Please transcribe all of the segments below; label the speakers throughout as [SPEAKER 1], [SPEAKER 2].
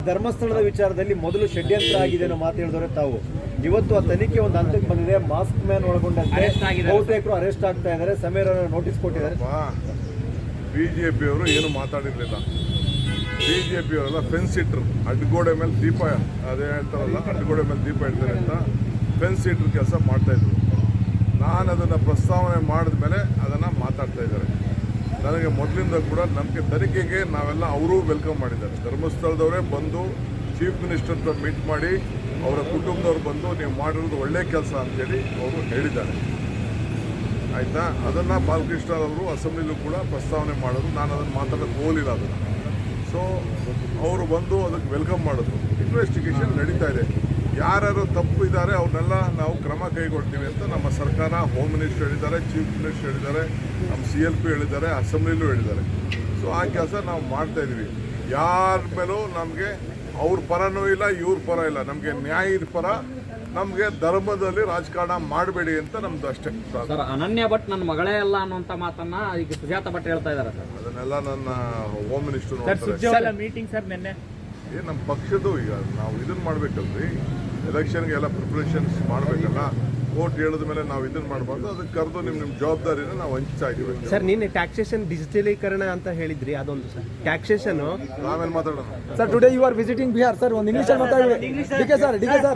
[SPEAKER 1] ಧರ್ಮಸ್ಥಳದ ವಿಚಾರದಲ್ಲಿ ಮೊದಲು ಷಡ್ಯಂತ್ರ ಆಗಿದೆ ಅನ್ನೋ ಮಾತು ಹೇಳಿದವರೆ ತಾವು. ಇವತ್ತು ಆ ತನಿಖೆ ಒಂದು ಹಂತಕ್ಕೆ ಬಂದಿದೆ. ಮಾಸ್ಕ್ ಮ್ಯಾನ್ ಒಳಗೊಂಡಂತೆ ಬಹುತೇಕರು ಅರೆಸ್ಟ್ ಆಗ್ತಾ ಇದ್ದಾರೆ. ಸಮೀರ್ ನೋಟಿಸ್ ಕೊಟ್ಟಿದ್ದಾರೆ.
[SPEAKER 2] ಬಿಜೆಪಿಯವರು ಏನು ಮಾತಾಡಿರಲಿಲ್ಲ. ಬಿಜೆಪಿಯವರೆಲ್ಲ ಫೆನ್ಸ್ ಇಟ್ರು, ಅಡ್ಡಗೋಡೆ ಮೇಲೆ ದೀಪ, ಅದೇ ಹೇಳ್ತಾರಲ್ಲ ಅಡ್ಡಗೋಡೆ ಮೇಲೆ ದೀಪ ಇಡ್ತಾರೆ ಅಂತ ಫೆನ್ಸ್ ಇಟ್ರು ಕೆಲಸ ಮಾಡ್ತಾಯಿದ್ರು. ನಾನು ಅದನ್ನು ಪ್ರಸ್ತಾವನೆ ಮಾಡಿದ ಮೇಲೆ ಅದನ್ನು ಮಾತಾಡ್ತಾ ಇದ್ದಾರೆ. ನನಗೆ ಮೊದಲಿಂದ ಕೂಡ ನಮಗೆ ತನಿಖೆಗೆ ನಾವೆಲ್ಲ ಅವರೂ ವೆಲ್ಕಮ್ ಮಾಡಿದ್ದಾರೆ. ಧರ್ಮಸ್ಥಳದವರೇ ಬಂದು ಚೀಫ್ ಮಿನಿಸ್ಟರ್ ಹತ್ರ ಮೀಟ್ ಮಾಡಿ ಅವರ ಕುಟುಂಬದವ್ರು ಬಂದು ನೀವು ಮಾಡಿರೋದು ಒಳ್ಳೆ ಕೆಲಸ ಅಂತೇಳಿ ಅವರು ಹೇಳಿದ್ದಾರೆ. ಆಯಿತಾ, ಅದನ್ನು ಬಾಲಕೃಷ್ಣ ಅವರು ಅಸೆಂಬ್ಲಿಲೂ ಕೂಡ ಪ್ರಸ್ತಾವನೆ ಮಾಡೋದು. ನಾನು ಅದನ್ನು ಮಾತಾಡೋಕ್ಕೆ ಹೋಗಲಿಲ್ಲ ಅದನ್ನು. ಸೊ ಅವರು ಬಂದು ಅದಕ್ಕೆ ವೆಲ್ಕಮ್ ಮಾಡಿದ್ರು. ಇನ್ವೆಸ್ಟಿಗೇಷನ್ ನಡೀತಾ ಇದೆ. ಯಾರ್ಯಾರು ತಪ್ಪು ಇದ್ದಾರೆ ಅವ್ರನ್ನೆಲ್ಲ ನಾವು ಕ್ರಮ ಕೈಗೊಳ್ತೀವಿ ಅಂತ ನಮ್ಮ ಸರ್ಕಾರ, ಹೋಮ್ ಮಿನಿಸ್ಟರ್ ಹೇಳಿದ್ದಾರೆ, ಚೀಫ್ ಮಿನಿಸ್ಟರ್ ಹೇಳಿದ್ದಾರೆ, ನಮ್ಮ CLP ಹೇಳಿದ್ದಾರೆ, ಅಸೆಂಬ್ಲಿಲೂ ಹೇಳಿದ್ದಾರೆ. ಸೊ ಆ ಕೆಲಸ ನಾವು ಮಾಡ್ತಾಯಿದ್ದೀವಿ. ಯಾರ ಮೇಲೂ ನಮಗೆ ಅವ್ರ ಪರನೂ ಇಲ್ಲ, ಇವ್ರ ಪರ ಇಲ್ಲ. ನಮಗೆ ನ್ಯಾಯದ ಪರ, ನಮಗೆ ಧರ್ಮದಲ್ಲಿ ರಾಜಕಾರಣ ಮಾಡಬೇಡಿ ಅಂತ ನಮ್ದು ಅಷ್ಟೇ.
[SPEAKER 3] ಸರ್, ಅನನ್ಯ ಭಟ್ ನನ್ನ ಮಗಳೇ ಅಲ್ಲ ಅನ್ನುವಂಥ ಮಾತನ್ನ ಈಗ ಸುಜಾತ ಭಟ್ ಹೇಳ್ತಾ ಇದ್ದಾರೆ ಸರ್.
[SPEAKER 2] ಅದನ್ನೆಲ್ಲ ನನ್ನ ಹೋಮ್ ಮಿನಿಸ್ಟರ್
[SPEAKER 3] ಮೀಟಿಂಗ್ ಸರ್ ನಿನ್ನೆ
[SPEAKER 2] ನಮ್ಮ ಪಕ್ಷದ್ದು ಈಗ ನಾವು ಇದನ್ನು ಮಾಡಬೇಕಲ್ರಿ, ಎಲೆಕ್ಷನ್ಗೆ ಎಲ್ಲ ಪ್ರಿಪ್ರೇಷನ್ಸ್ ಮಾಡಬೇಕಲ್ಲ. ಕೋರ್ಟ್ ಹೇಳಿದ ಮೇಲೆ ನಾವು ಇದನ್ನು ಮಾಡಬಾರ್ದು. ಅದಕ್ಕೆ ಕರೆದು ನಿಮ್ಮ ಜವಾಬ್ದಾರಿನ ನಾವು ಹಂಚ್ತಾ ಇದ್ದೀವಿ
[SPEAKER 4] ಸರ್. ನಿನ್ನೆ ಟ್ಯಾಕ್ಸೇಷನ್ ಡಿಜಿಟಲೀಕರಣ ಅಂತ ಹೇಳಿದ್ರಿ, ಅದೊಂದು ಸರ್ ಟ್ಯಾಕ್ಸೇಷನ್
[SPEAKER 2] ಆಮೇಲೆ ಮಾತಾಡೋಣ.
[SPEAKER 4] Sir, today you are visiting Bihar sir. ಒಂದು ಇಂಗ್ಲಿಷ್ ಡಿಕೆ ಸರ್.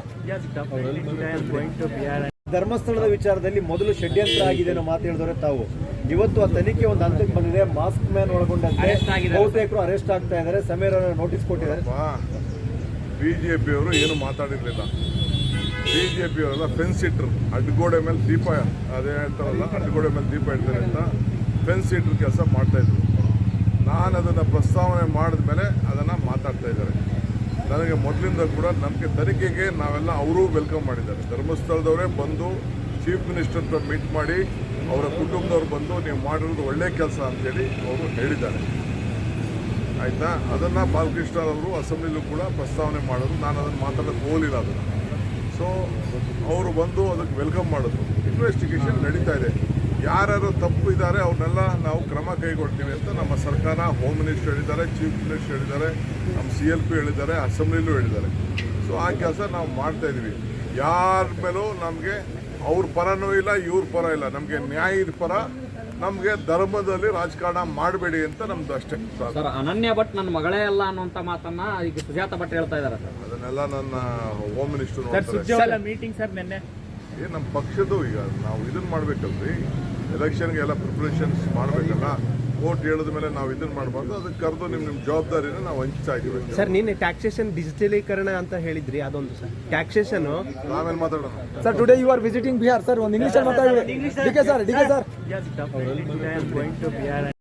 [SPEAKER 1] ಧರ್ಮಸ್ಥಳದ ವಿಚಾರದಲ್ಲಿ ಮೊದಲು ಷಡ್ಯಂತ್ರ ಆಗಿದೆ ಅನ್ನೋ ಮಾತು ಹೇಳಿದವರೆ ತಾವು. ಇವತ್ತು ಆ ತನಿಖೆ ಒಂದು ಹಂತಕ್ಕೆ ಬಂದಿದೆ. ಮಾಸ್ಕ್ ಮ್ಯಾನ್ ಒಳಗೊಂಡಂತೆ ಬಹುತೇಕರು ಅರೆಸ್ಟ್ ಆಗ್ತಾ ಇದ್ದಾರೆ. ಸಮೀರ್ ನೋಟಿಸ್ ಕೊಟ್ಟಿದ್ದಾರೆ.
[SPEAKER 2] ಬಿಜೆಪಿಯವರು ಏನು ಮಾತಾಡಿರಲಿಲ್ಲ. ಬಿಜೆಪಿಯವರೆಲ್ಲ ಫೆನ್ಸ್ ಇಟ್ರು, ಅಡ್ಡಗೋಡೆ ಮೇಲೆ ದೀಪ, ಅದೇ ಹೇಳ್ತಾರಲ್ಲ ಅಡ್ಡಗೋಡೆ ಮೇಲೆ ದೀಪ ಇಡ್ತಾರೆ ಅಂತ ಫೆನ್ಸ್ ಇಟ್ರು ಕೆಲಸ ಮಾಡ್ತಾಯಿದ್ರು. ನಾನು ಅದನ್ನು ಪ್ರಸ್ತಾವನೆ ಮಾಡಿದ ಮೇಲೆ ಅದನ್ನು ಮಾತಾಡ್ತಾ ಇದ್ದಾರೆ. ನನಗೆ ಮೊದಲಿಂದ ಕೂಡ ನಮಗೆ ತನಿಖೆಗೆ ನಾವೆಲ್ಲ ಅವರೂ ವೆಲ್ಕಮ್ ಮಾಡಿದ್ದಾರೆ. ಧರ್ಮಸ್ಥಳದವರೇ ಬಂದು ಚೀಫ್ ಮಿನಿಸ್ಟರ್ ಹತ್ರ ಮೀಟ್ ಮಾಡಿ ಅವರ ಕುಟುಂಬದವ್ರು ಬಂದು ನೀವು ಮಾಡಿರೋದು ಒಳ್ಳೆ ಕೆಲಸ ಅಂತೇಳಿ ಅವರು ಹೇಳಿದ್ದಾರೆ. ಆಯಿತಾ, ಅದನ್ನು ಬಾಲಕೃಷ್ಣ ಅವರು ಅಸೆಂಬ್ಲಿಲೂ ಕೂಡ ಪ್ರಸ್ತಾವನೆ ಮಾಡೋದು. ನಾನು ಅದನ್ನು ಮಾತಾಡೋಕ್ಕೆ ಹೋಗಲಿಲ್ಲ ಅದನ್ನು. ಸೊ ಅವರು ಬಂದು ಅದಕ್ಕೆ ವೆಲ್ಕಮ್ ಮಾಡಿದ್ರು. ಇನ್ವೆಸ್ಟಿಗೇಷನ್ ನಡೀತಾ ಇದೆ. ಯಾರ್ಯಾರು ತಪ್ಪು ಇದ್ದಾರೆ ಅವ್ರನ್ನೆಲ್ಲ ನಾವು ಕ್ರಮ ಕೈಗೊಳ್ತೀವಿ ಅಂತ ನಮ್ಮ ಸರ್ಕಾರ, ಹೋಮ್ ಮಿನಿಸ್ಟರ್ ಹೇಳಿದ್ದಾರೆ, ಚೀಫ್ ಮಿನಿಸ್ಟರ್ ಹೇಳಿದ್ದಾರೆ, ನಮ್ಮ CLP ಹೇಳಿದ್ದಾರೆ, ಅಸೆಂಬ್ಲಿಲೂ ಹೇಳಿದ್ದಾರೆ. ಸೊ ಆ ಕೆಲಸ ನಾವು ಮಾಡ್ತಾಯಿದ್ದೀವಿ. ಯಾರ ಮೇಲೂ ನಮಗೆ ಅವ್ರ ಪರನೂ ಇಲ್ಲ, ಇವ್ರ ಪರ ಇಲ್ಲ. ನಮಗೆ ನ್ಯಾಯದ ಪರ, ನಮಗೆ ಧರ್ಮದಲ್ಲಿ ರಾಜಕಾರಣ ಮಾಡಬೇಡಿ ಅಂತ ನಮ್ದು ಅಷ್ಟೇ.
[SPEAKER 3] ಸರ್, ಅನನ್ಯ ಭಟ್ ನನ್ನ ಮಗಳೇ ಅಲ್ಲ ಅನ್ನುವಂಥ ಮಾತನ್ನ ಈಗ ಸುಜಾತ ಭಟ್ ಹೇಳ್ತಾ ಇದ್ದಾರೆ ಸರ್.
[SPEAKER 2] ಅದನ್ನೆಲ್ಲ ನನ್ನ ಹೋಮ್ ಮಿನಿಸ್ಟರ್
[SPEAKER 3] ಮೀಟಿಂಗ್ ಸರ್ ನಿನ್ನೆ
[SPEAKER 2] ನಮ್ಮ ಪಕ್ಷದ್ದು ಈಗ ನಾವು ಇದನ್ನು ಮಾಡಬೇಕಲ್ರಿ, ಎಲೆಕ್ಷನ್ಗೆ ಎಲ್ಲ ಪ್ರಿಪ್ರೇಷನ್ಸ್ ಮಾಡಬೇಕಲ್ಲ. ಕೋರ್ಟ್ ಹೇಳಿದ ಮೇಲೆ ನಾವು ಇದನ್ನು ಮಾಡಬಾರ್ದು. ಅದಕ್ಕೆ ಕರೆದು ನಿಮ್ಮ ಜವಾಬ್ದಾರಿನ ನಾವು ಹಂಚ್ತಾ ಇದ್ದೀವಿ
[SPEAKER 4] ಸರ್. ನಿನ್ನೆ ಟ್ಯಾಕ್ಸೇಷನ್ ಡಿಜಿಟಲೀಕರಣ ಅಂತ ಹೇಳಿದ್ರಿ, ಅದೊಂದು ಸರ್ ಟ್ಯಾಕ್ಸೇಷನ್
[SPEAKER 2] ಆಮೇಲೆ ಮಾತಾಡೋಣ.
[SPEAKER 4] Sir, today you are visiting Bihar sir. ಒಂದು ಇಂಗ್ಲಿಷ್ ಡಿಕೆ ಸರ್.